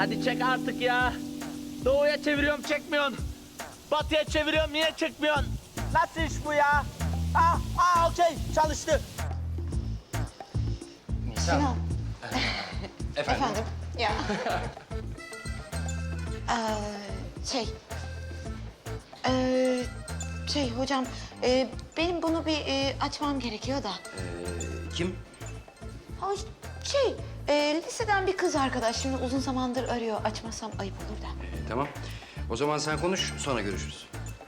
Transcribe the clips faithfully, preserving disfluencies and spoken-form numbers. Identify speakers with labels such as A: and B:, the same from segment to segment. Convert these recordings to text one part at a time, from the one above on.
A: Hadi çek artık ya. Doğuya çeviriyorum çekmiyorsun. Batıya çeviriyorum niye çekmiyorsun? Nasıl iş bu ya? Ah, ah okey çalıştı.
B: Nisan.
C: Sinan.
B: Efendim?
C: Efendim. Ya. ee, şey. Ee, şey hocam, e, benim bunu bir e, açmam gerekiyor da.
B: Ee, kim?
C: Ay, şey, e, liseden bir kız arkadaş. Şimdi uzun zamandır arıyor. Açmasam ayıp olur da.
B: Ee, tamam. O zaman sen konuş, sonra görüşürüz.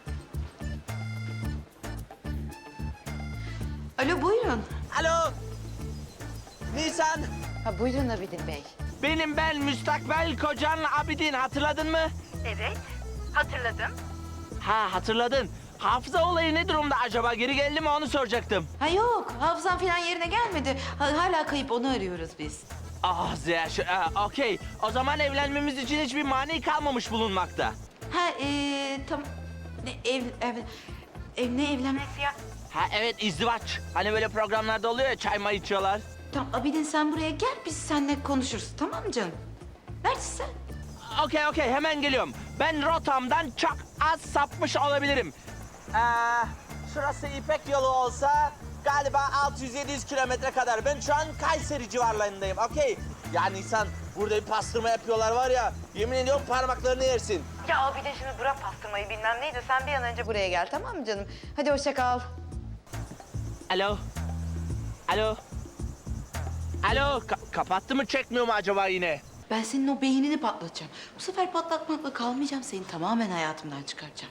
C: Alo, buyurun.
A: Alo. Nisan.
C: Ha, buyurun Abidin Bey.
A: Benim ben müstakbel kocan Abidin hatırladın mı?
C: Evet, hatırladım.
A: Ha hatırladın. Hafıza olayı ne durumda acaba? Geri geldi mi onu soracaktım.
C: Ha yok, hafızam falan yerine gelmedi. Ha, hala kayıp, onu arıyoruz biz.
A: Ah Ziya, şu- ah, okey. O zaman evlenmemiz için hiçbir mani kalmamış bulunmakta.
C: Ha, ee, tam... Ne, ev, ev, ev, ne evlenmesi ya?
A: Ha evet izdivaç. Hani böyle programlarda oluyor ya çay may içiyorlar.
C: Tamam, Abidin sen buraya gel, biz seninle konuşuruz. Tamam mı canım? Neredesin sen?
A: Okey okey hemen geliyorum. Ben rotamdan çok az sapmış olabilirim. Ee, şurası İpek yolu olsa galiba altı yüz yedi yüz kilometre kadar. Ben şu an Kayseri civarlarındayım okey. Ya Nisan burada bir pastırma yapıyorlar var ya yemin ediyorum parmaklarını yersin.
C: Ya Abidin şimdi bırak pastırmayı bilmem neydi. Sen bir an önce buraya gel, tamam mı canım? Hadi hoşça kal.
A: Alo. Alo. Alo ka- kapattı mı çekmiyor mu acaba yine?
C: Ben senin o beynini patlatacağım. Bu sefer patlatmakla kalmayacağım. Seni tamamen hayatımdan çıkaracağım.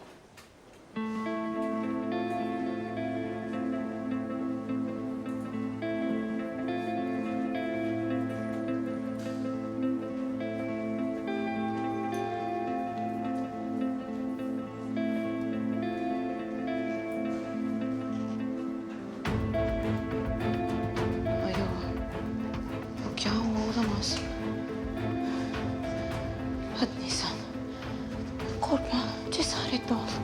C: Ay yok. Yok ya, o olamaz. Hadi Nisan. Korkma, cesaretli ol.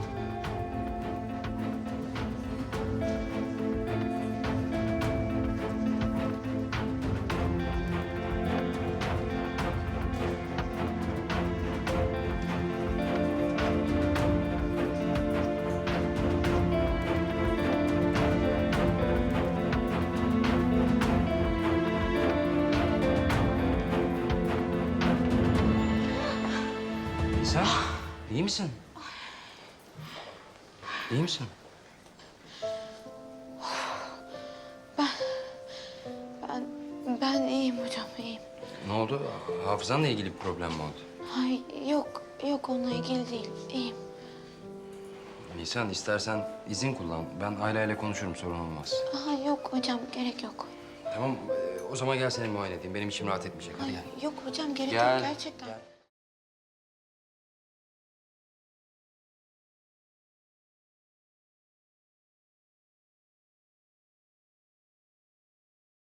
B: Nisan, iyi misin? İyi misin?
C: Ben, ben iyiyim hocam, iyiyim.
B: Ne oldu? Hafızanla ilgili bir problem mi oldu?
C: Ay yok, yok onunla ilgili değil. İyiyim.
B: Nisan, istersen izin kullan. Ben aileyle konuşurum, sorun olmaz.
C: Aha yok hocam, gerek yok.
B: Tamam, e, o zaman gel seni muayene edeyim. Benim içim rahat etmeyecek. Hadi gel.
C: Yok hocam, gerek
B: Gel.
C: yok gerçekten.
B: Gel.